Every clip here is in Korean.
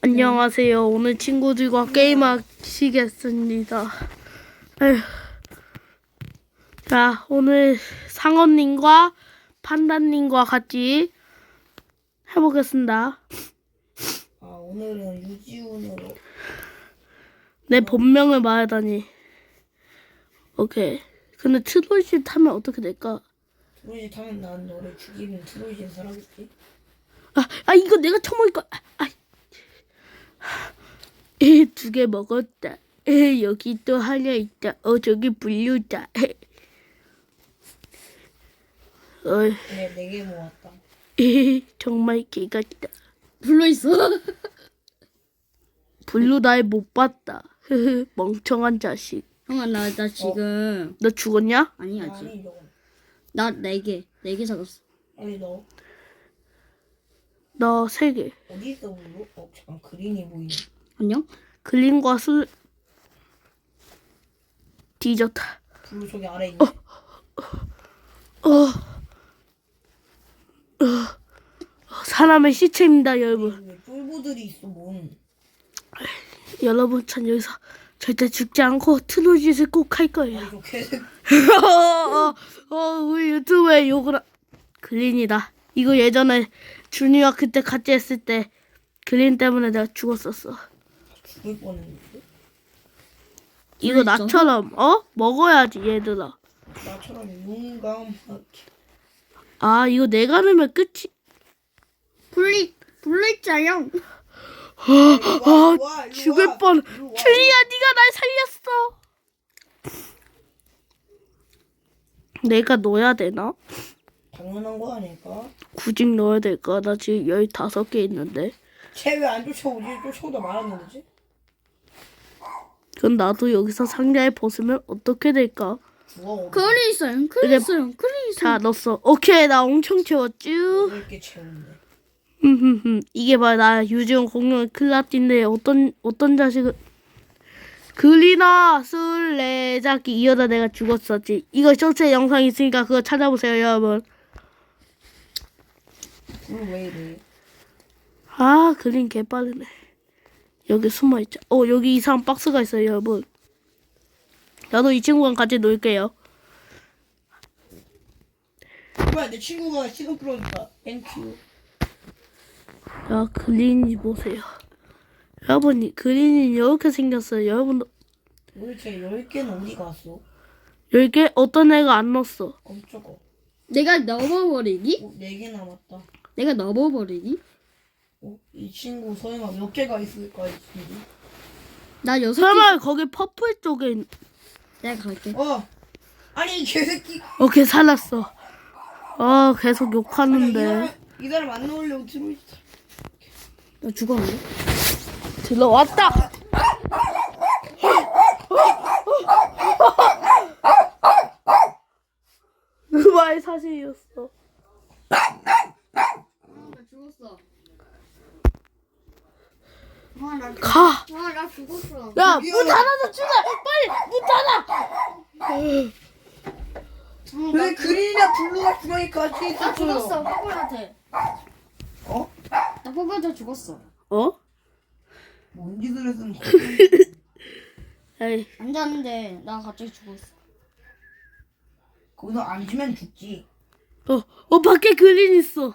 안녕하세요. 오늘 친구들과 게임하시겠습니다. 에휴. 자, 오늘 상어님과 판다님과 같이 해보겠습니다. 오늘은 유지훈으로. 내 본명을 말하다니. 오케이. 근데 트로이시 타면 어떻게 될까? 트로이지 타면 난 너를 죽이면 트로이지는 살아겠지? 이거 내가 처먹을 거. 두 개 먹었다. 여기 또 하나 있다. 저기 분류다. 그래, 4개 모았다. 정말 개 같다. 불러 있어. 블루 날 못 봤다. 멍청한 자식. 형아 나 지금 너 죽었냐? 아니 아직. 아니, 너. 나 4개 찾았어. 아니, 너. 너 3개. 어디 있어, 물로? 잠깐, 그린이 보이네. 안녕? 글린과 술 뒤졌다. 블루 저기 아래 있네. 사람의 시체입니다, 여러분. 왜 쫄보들이 있어, 뭔. 여러분, 전 여기서 절대 죽지 않고 트로짓을 꼭 할 거예요. 아니, 저 개새끼. 우리 유튜브에 욕을 글린이다. 이거 예전에 준이와 그때 같이 했을 때 글린 때문에 내가 죽었었어. 죽을 뻔했는데? 이거 있어? 나처럼 먹어야지 얘들아. 나처럼 용감하게. 이거 내가 넣으면 끝이. 불러 있자요. 죽을 뻔. 준이야, 네가 날 살렸어. 내가 넣어야 되나? 당연한 거 아닐까? 구직 넣어야 될까? 나 지금 15개 있는데. 쟤 왜 안 쫓아오지? 쫓아오다 말았는데? 그럼 나도 여기서 상자에 벗으면 어떻게 될까? 죽어. 글이 있어요. 글이 있어요. 글이 있어요. 자, 넣었어. 오케이, 나 엄청 채웠쥬. 이렇게 채우는데. 이게 바로 나 유지원 공룡의 클라띠인데 어떤 자식은 글이나 술래잡기 이러다 내가 죽었었지. 이거 쇼츠에 영상 있으니까 그거 찾아보세요, 여러분. 블루 왜 이래? 글린 개빠르네. 여기 숨어있자. 여기 이상한 박스가 있어요, 여러분. 나도 이 친구랑 같이 놀게요. 뭐야, 내 친구가 시간 끌어줬다. 땡큐. 야, 글린이 보세요. 여러분, 글린이 이렇게 생겼어요. 여러분도 도대체 10개는 어디 갔어? 10개 어떤 애가 안 넣었어. 깜짝아. 내가 넣어버리기? 4개 남았다. 내가 넣어버리기? 이 친구 설마 몇 개가 있을까, 이 친구? 나 6개. 설마 거기 퍼플 쪽에 내가 갈게. 아니, 이 개새끼. 걔 살았어. 계속 욕하는데. 이 사람 안 넣으려고 들어있어. 나 죽었는데? 들어왔다. 그말 사실이었어. 나 죽었어. 가. 나 죽었어. 야, 문 닫아줘, 준아. 빨리 문 닫아. 왜 그린이랑 블루가 주머니 같이 있었어? 죽었어. 포그한테. 어? 나 포그한테 죽었어. 뭔 짓을 했으면 에이, 앉았는데 나 갑자기 죽었어. 거기서 앉으면 죽지. 밖에 그린 있어.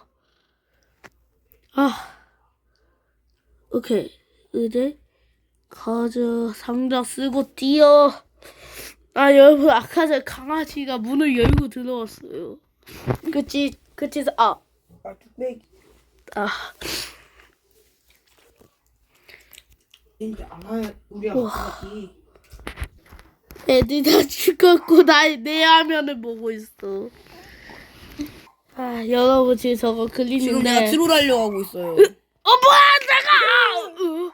오케이. 이제 가자. 상자 쓰고 뛰어. 여러분, 아까 전 강아지가 문을 열고 들어왔어요. 그치? 뚝배기. 이제 안 할, 우리 아빠지. 애들 다 죽었고 내 화면을 보고 있어. 여러분, 지금 저거 지금 글리는데. 내가 트롤 하려고 하고 있어요. 뭐야, 내가!